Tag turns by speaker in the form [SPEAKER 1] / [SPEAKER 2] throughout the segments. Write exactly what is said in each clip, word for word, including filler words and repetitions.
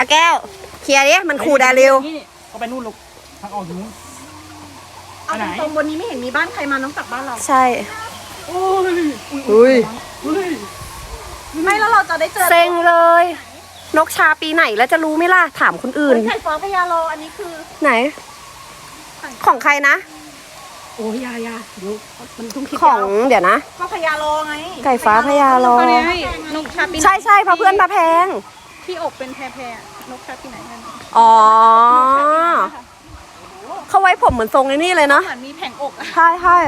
[SPEAKER 1] แก้วเคลียร์ดิมันขู่ดาริว
[SPEAKER 2] ก็ไปนู่นลูกทางออกอยู่นู้น
[SPEAKER 3] เอาตรงบนนี้ไม่เห็นมีบ้านใครมานอกจากบ้านเรา
[SPEAKER 1] ใช่
[SPEAKER 2] โอ้ย
[SPEAKER 1] อุ้ย
[SPEAKER 3] ไม่แล้วเราจะได้เจอ
[SPEAKER 1] เซ็งเลย นกชาปีไหนแล้วจะรู้ไหมล่ะถามคนอื่น
[SPEAKER 3] ไก่ฟ้าพญาโลอันนี้คือ
[SPEAKER 1] ไหน ของใครนะ
[SPEAKER 3] โอ้ยยายาเดี๋ยวมันต้องคิด
[SPEAKER 1] ของเดี๋ยวนะ
[SPEAKER 3] ก็พญาโลไง
[SPEAKER 1] ไก่ฟ้าพญาโล
[SPEAKER 3] นกชาปี
[SPEAKER 1] ใช่ใช่เพราะเพื่อนมาแพง
[SPEAKER 3] ที่อกเป็นแพรแพรนกชาปีไหนกัน
[SPEAKER 1] อ๋อเขาไว้ผมเหมือนทรงในนี่เลยเนาะ
[SPEAKER 3] เหมือนมีแผงอก
[SPEAKER 1] ใช่ใช่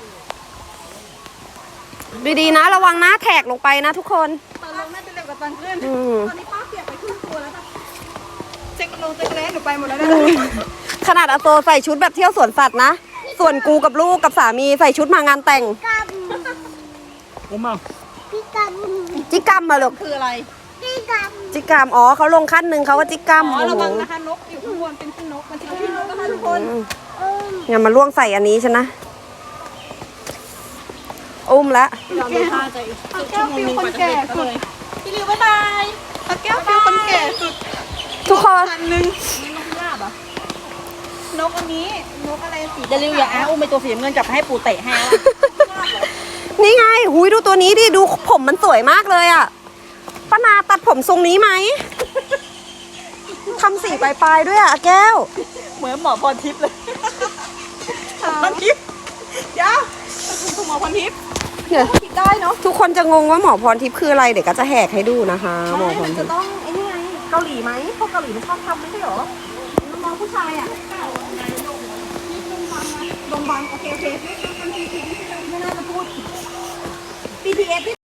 [SPEAKER 1] ดีๆนะระวังหน้าแถกลงไปนะทุกคน
[SPEAKER 3] ตอนลงน่าจะเร็วกว่าตอนขึ้นตอนนี้ป้าเปียกไปครึ่งตัวแล้วค่ะเจ๊กลงเจ๊กแร้หนูไปหมดแล้วนะ
[SPEAKER 1] ขนาดอาโซใส่ชุดแบบเที่ยวสวนสัตว์นะส่วนกูกับลูกกับสามีใส่ชุดมางานแต่ง
[SPEAKER 2] ผมเอา
[SPEAKER 1] จิกกัมมาลูก
[SPEAKER 3] คืออะไร
[SPEAKER 1] จิกกัมอ๋อเขาลงขั้นหนึ่งเขาก็จิกกัม
[SPEAKER 3] อ๋อระวังนะคะนกอยู่ข้างบนเป็นขี้นกมันจะขี้นกนะคะทุกคน
[SPEAKER 1] อย่ามาล่วงใส่อันนี้ฉันนะอุ้มแล้ว
[SPEAKER 3] เราไม่ท่าใจแก้วฟิวคนแก่สุดพี่ลิวบ๊ายบายแก้วฟิวคนแก่สุด
[SPEAKER 1] ทุกคน
[SPEAKER 3] อันนึงนกลาบอ่ะนกอันนี้นกอะไรสีจะลิวอย่าอ้าอุ้มไปตัวสีเงินจับให้ปู่เตะให้
[SPEAKER 1] นี่ไงหุยดูตัวนี้ดิดูผมมันสวยมากเลยอ่ะป้านาตัดผมทรงนี้ไหมทำสีปลายๆด้วยอ่ะแก้ว
[SPEAKER 3] เหมือนหมอพรทิพย์เลยพรทิพย์ยาวคุณหมอพรทิพย์เนี่ยคิดได้เนาะ
[SPEAKER 1] ทุกคนจะงงว่าหมอพรทิพย์คืออะไรเดี๋ยวก็จะแหกให้ดูนะคะหมอพรทิพย์
[SPEAKER 3] จะต้องไอ้นี่ไงเกาหลีไหมพวกเกาหลีมันชอบทำไม่ใช่หรอน้องผู้ชายอ่ะโรงพยาบาลโอเคโอเคไม่น่าจะพูด บี ที เอส